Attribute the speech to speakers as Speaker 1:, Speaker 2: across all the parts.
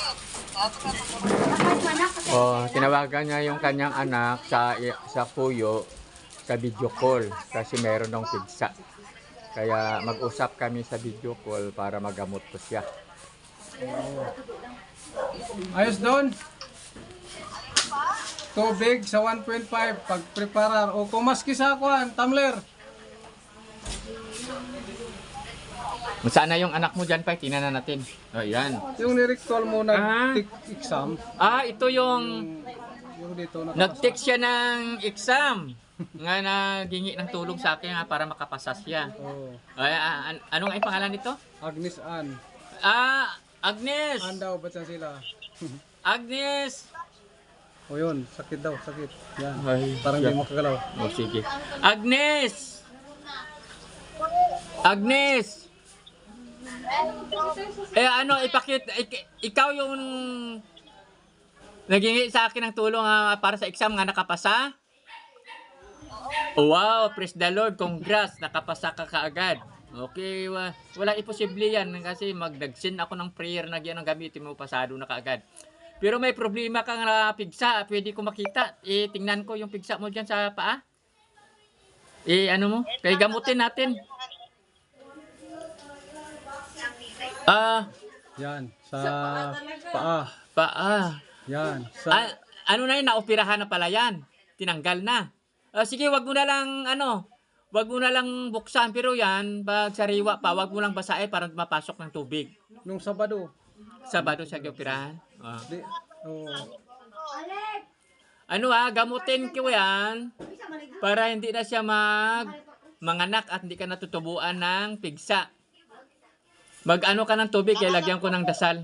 Speaker 1: Tinawagan niya yung kanyang anak sa kuyo sa video call kasi meron ng pigsa. Kaya mag-usap kami sa video call para magamot ko siya.
Speaker 2: Ayos doon. Tubig sa 1.5 pag-preparar o kumaski sa kuan, tumbler.
Speaker 1: Saan na yung anak mo dyan, pa? Tingnan na natin. O, yan.
Speaker 2: Yung ni-recall mo nag-exam.
Speaker 1: Ito yung
Speaker 2: Yung dito
Speaker 1: nag-text siya ng exam. Nga nagingi ng tulong sa akin para makapasa siya.
Speaker 2: Oh.
Speaker 1: Ano nga yung pangalan nito?
Speaker 2: Agnes Ann.
Speaker 1: Agnes!
Speaker 2: Ann daw, ba't yan sila?
Speaker 1: Agnes!
Speaker 2: O yun, sakit daw, sakit. Yan.
Speaker 1: Ay,
Speaker 2: Parang
Speaker 1: yan.
Speaker 2: di makagalaw.
Speaker 1: O, sige. Agnes! Agnes! Ikaw yung naghingi sa akin ng tulong para sa exam nga nakapasa? Wow, praise the Lord, congrats, nakapasa ka kaagad. Okay, wala imposible yan kasi magdagsin ako ng prayer na yan ang gamitin mo, pasado na kaagad. Pero may problema kang pigsa, pwede ko makita. Tingnan ko yung pigsa mo dyan sa paa. Ano mo, kaya gamutin natin.
Speaker 2: Yan, sa paa.
Speaker 1: Paa.
Speaker 2: Yan,
Speaker 1: Ano na yun, naoperahan na pala yan. Tinanggal na. Sige, wag mo na lang, wag mo na lang buksan. Pero yan, pag sariwa pa, wag mo lang basahin para mapasok ng tubig.
Speaker 2: nung Sabado.
Speaker 1: Sabado siya operahan.
Speaker 2: Di, oh.
Speaker 1: Gamutin ko yan para hindi na siya manganak at hindi ka natutubuan ng pigsa. Mag-ano ka ng tubig, kaya lagyan ko ng dasal.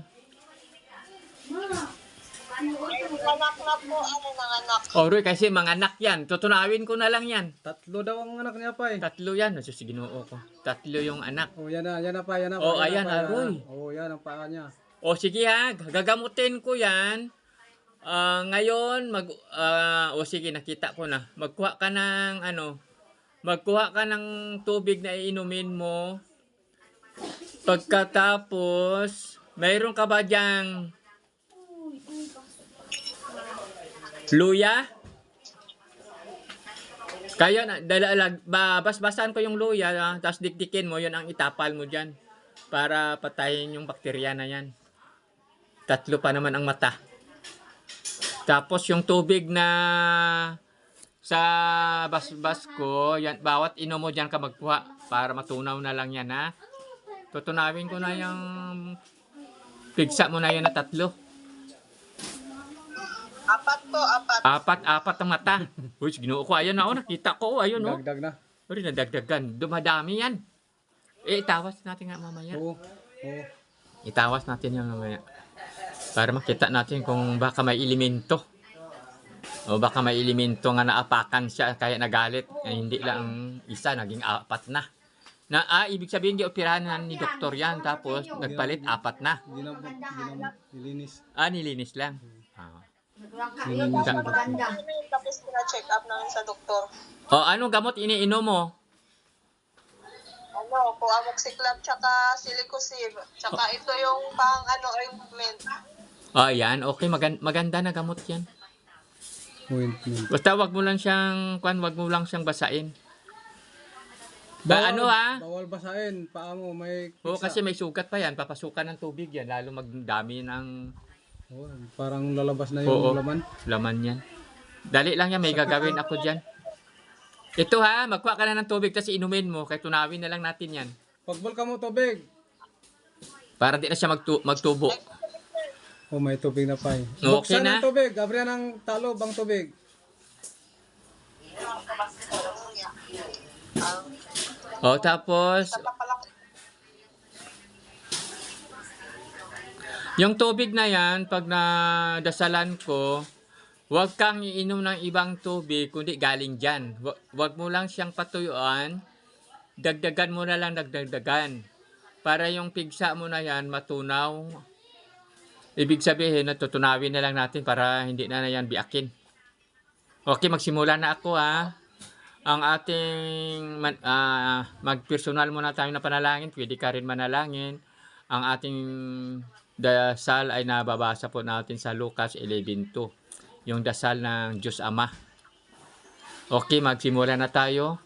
Speaker 3: Anak na po, nanganak.
Speaker 1: Roy, kasi manganak yan. Tutunawin ko na lang yan.
Speaker 2: 3 daw ang anak niya pa eh.
Speaker 1: 3 yan. Sa Ginoo ko. 3 yung anak.
Speaker 2: Oh, yan na pa, yan na pa.
Speaker 1: Oh,
Speaker 2: yan
Speaker 1: ayan,
Speaker 2: na pa,
Speaker 1: Aroy.
Speaker 2: Oh, yan ang paa niya.
Speaker 1: Sige gagamutin ko yan. Ngayon, sige, nakita ko na. Magkuha ka ng tubig na iinumin mo. Pagkatapos, mayroon ka ba dyang luya? Kaya basbasan ko yung luya, tapos dikdikin mo, yun ang itapal mo dyan para patayin yung bakterya na yan. 3 pa naman ang mata. Tapos yung tubig na sa basbas ko, yan, bawat inom mo dyan ka magkuha para matunaw na lang yan, ha. Tutunawin ko na yung pigsa mo na yun na 3.
Speaker 3: 4 po, 4.
Speaker 1: 4 ang mata. Uy, Ginoo ko, ayun na, nakita ko, ayun,
Speaker 2: Dagdag na.
Speaker 1: Uy, nadagdagan. Dumadami yan. Itawas natin nga mamaya.
Speaker 2: Oo.
Speaker 1: Itawas natin yan mamaya. Para makita natin kung baka may elemento. O baka may elemento nga naapakan siya kaya nagalit. Hindi lang isa, naging 4 na. Ibig sabihin, operahan na ni doktor yan. Tapos, nagpalit 4 na.
Speaker 2: Nilinis.
Speaker 1: Nilinis lang.
Speaker 3: Tapos pina-check up namin sa doktor.
Speaker 1: Anong gamot iniinom mo?
Speaker 3: Po amoxicillin tsaka silicosib. Tsaka ito yung ointment.
Speaker 1: Yan. Okay, maganda na gamot yan.
Speaker 2: Ointment.
Speaker 1: Basta wag mo lang siyang basain.
Speaker 2: Bawal basahin. Paa mo may
Speaker 1: Kasi may sugat pa yan. Papasukan ng tubig yan. Lalo magdami ng
Speaker 2: parang lalabas na yung
Speaker 1: laman yan. Dali lang yan. May gagawin ako dyan. Ito magkuha ka na ng tubig tapos inumin mo. Kaya tunawin na lang natin yan.
Speaker 2: Pagbol ka mo tubig.
Speaker 1: Para di na siya magtubo.
Speaker 2: May tubig na pa eh.
Speaker 1: Okay
Speaker 2: Buksan
Speaker 1: na?
Speaker 2: ng tubig. Gabriel ng talo bang tubig.
Speaker 1: Tapos yung tubig na yan, pag nadasalan ko, huwag kang iinom ng ibang tubig, kundi galing dyan. Huwag mo lang siyang patuyuan, dagdagan mo na lang dagdagan. Para yung pigsa mo na yan, matunaw. Ibig sabihin, natutunawin na lang natin para hindi na yan biakin. Okay, magsimula na ako Ang ating, mag-personal muna tayo na panalangin, pwede ka rin manalangin. Ang ating dasal ay nababasa po natin sa Lucas 11:2. Yung dasal ng Diyos Ama. Okay, magsimula na tayo.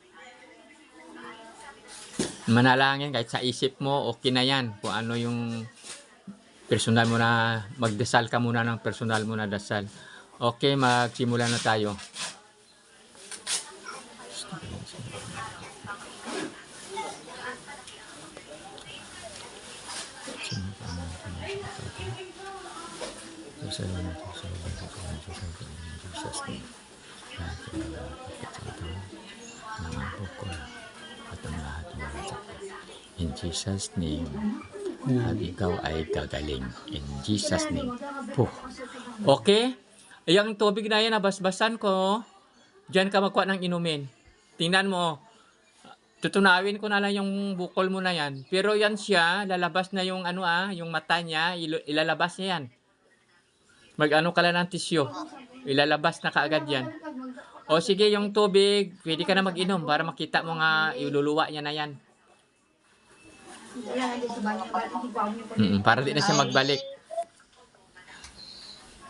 Speaker 1: Manalangin kahit sa isip mo, okay na yan. Kung ano yung personal mo na, magdasal ka muna ng personal mo na dasal. Okay, magsimula na tayo. In Jesus' name, at ikaw ay gagaling. In Jesus' name. Puh. Okay? Yung tubig na yan, nabasbasan ko. Diyan ka magkuha ng inumin. Tingnan mo. Tutunawin ko na lang yung bukol mo na yan. Pero yan siya, lalabas na yung yung mata niya, ilalabas niya yan. Mag-ano ka lang ng tisyo. Ilalabas na kaagad yan. O sige, yung tubig, pwede ka na mag-inom para makita mo nga iluluwa niya na yan. Para di na siya magbalik.